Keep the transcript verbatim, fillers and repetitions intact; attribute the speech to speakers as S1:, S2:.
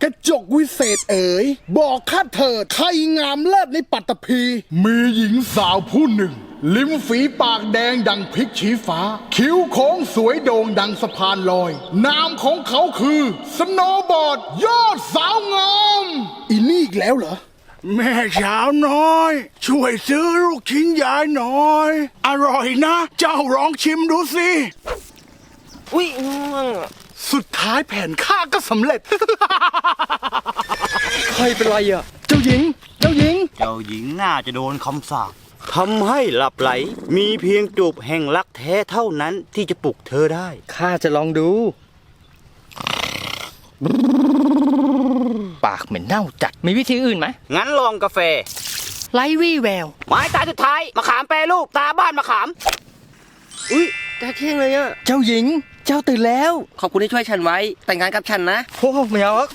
S1: กระจกวิเศษเอ๋ยบอกข้าเถิดใครงามเลิศในปัตตภีมีหญิงสาวผู้หนึ่งลิ้มฝีปากแดงดังพริกชี้ฟ้าคิ้วโค้งสวยโด่งดังสะพานลอยนามของเขาคือสโนว์บอร์ดยอดสาวงามอีนี่อีกแล้วเหรอแม่สาวน้อยช่วยซื้อลูกชิ้นยายหน่อยอร่อยนะเจ้าลองชิมดูสิ
S2: อุ้ยง่วงอะ
S1: สุดท้ายแผนฆ่าก็สำเร็จ
S2: ใครเป็นไรอ่ะ
S1: เจ้าหญิง เจ้าหญิง
S3: เจ้าหญิงน่าจะโดนคำสาปทำให้หลับไหล มีเพียงจูบแห่งรักแท้เท่านั้นที่จะปลุกเธอได้
S2: ข้าจะลองดู ปากเหม็นเน่าจัด มีวิธีอื่นไหม
S3: งั้นลองกาแฟ
S2: ไลวี่แวว
S3: ไม้ตาสุดท้ายมะขามแปรรูปตาบ้านมะขาม
S2: อุ้ยตาเที่ยงเลยอ่ะ เจ้าหญิง เจ้าตื่นแล้ว
S4: ขอบคุณที่ช่วยฉันไว้ แต่งงานกับฉันนะ
S2: โอ้ไม่เอา